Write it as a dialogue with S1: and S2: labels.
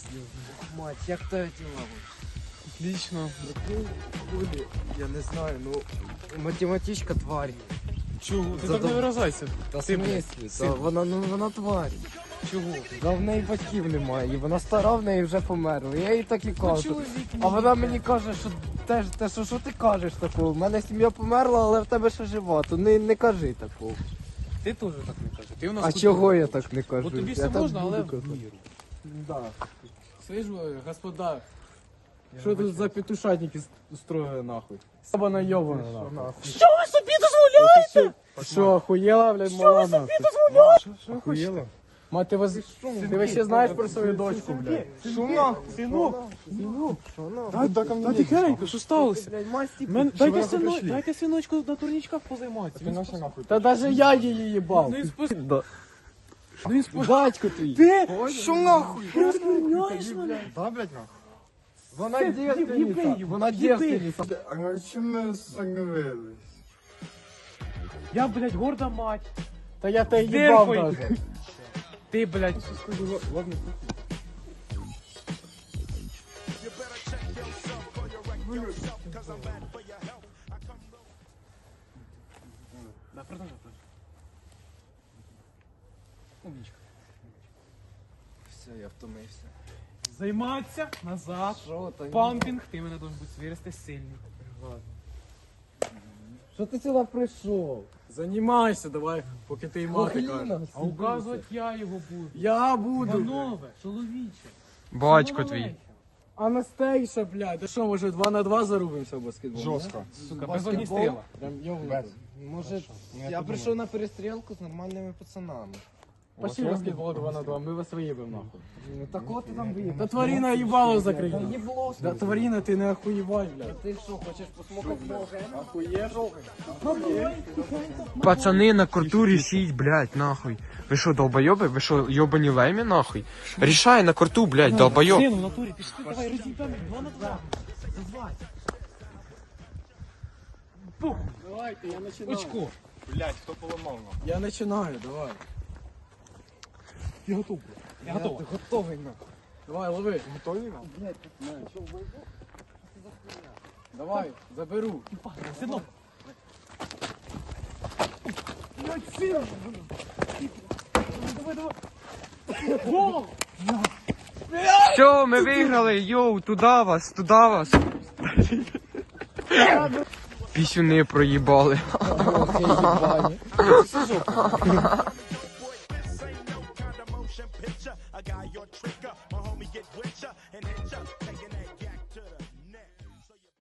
S1: Мать, як твоє діла?
S2: Отлично.
S1: Люди, я не знаю, ну математичка тварь.
S2: Чого? Ти
S1: Задав-
S2: так не виражайся.
S1: Та
S2: Ти, блядь,
S1: смислі? Та
S2: син.
S1: вона тварь.
S2: Чого?
S1: Да в неї батьків немає, і вона стара, в неї вже померла. Я їй так і кажу.
S2: чоловік
S1: А вона мені каже, що що ти кажеш такого? У мене сім'я померла, але в тебе ще жива, то не кажи такого.
S2: Ти теж так не кажеш. Ти у нас
S1: А
S2: тут-
S1: чого я так не кажу?
S2: Бо тобі
S1: Я
S2: все
S1: так
S2: можна,
S1: буду
S2: але в
S1: казати.
S2: міру.
S1: Да.
S2: Слежу, господа. Що тут за петушатники устроїли нахуй? Сабана йобана нахуй.
S1: Що ви собі дозволяєте?
S2: Що, охуєла, блядь, мала нахуй? Що охуєла? Мать, ти вообще знаєш про свою дочку, блядь?
S1: Що нахуй?
S2: Синок,
S1: Що нахуй?
S2: та тихенько, що сталося?
S1: Блядь, масті.
S2: Дайте синочку на турнічках позайматися.
S1: Та даже я її їбав.
S2: Ну і спусти.
S1: Ну і батько твій.
S2: Ти?
S1: Що нахуй?
S2: Ти розмовляєш мене?
S1: Да, блядь, нахуй. Вона
S2: Їби
S1: дівственниця.
S2: її,
S1: Вона
S2: їби.
S1: дівственниця.
S3: А чому ми остановились?
S2: Я, блядь, горда мать.
S1: Та я тебе
S2: Де
S1: їбав
S2: твої?
S1: даже.
S2: Ти, блядь, да, продолжай. Умничка.
S1: Все, я втомився.
S2: Займатися назад.
S1: Що та ні?
S2: Пампінг, ти мене должен бути вирости сильний.
S1: Що ти сюди прийшов?
S2: Займайся, давай, поки ти й мати
S1: Охліна,
S2: кажеш. А
S1: сидися.
S2: указувати я його буду.
S1: Я буду.
S2: Панове, чоловіче.
S4: Батько твій.
S1: Анастейша, блядь.
S2: Ти що, може 2 на 2 зарубимося в баскетбол?
S3: Жорстко.
S2: Сука, без огністріла.
S1: Прям йовнув. Може, я прийшов на перестрілку з нормальними пацанами.
S2: Пошли в баскетбол 2 на 2, ми вас виїбемо нахуй.
S1: Ну так от ти там виїхав.
S2: Та тварина їбало
S1: Та
S2: закриє.
S1: їбло.
S2: Да тварина, ти не охуєвай, блядь.
S1: Ти що, хочеш посмокати?
S2: Охуєш?
S4: Пацани на кортурі сіть, блядь, нахуй. Ви що, долбойоби? Ви що, йобані лемі, нахуй? Рішай на корту, блядь, долбойоб.
S2: Сину, в натурі, пішли, давай, розійдемо 2 на 2. Давай. Пух.
S1: Давайте, я починаю.
S2: Очко.
S3: Блять, хто поламав нам?
S2: Я починаю, давай. Я готов, блядь. Я готов.
S1: Ти готовий нахуй.
S2: Давай, лови.
S3: Готові нам?
S1: Блядь, що вийду?
S2: Давай, заберу. Синок. Давай, давай. Гол!
S4: Все, ми виграли, йоу, туда вас. Пісюни проїбали.
S1: Ох, я їбані.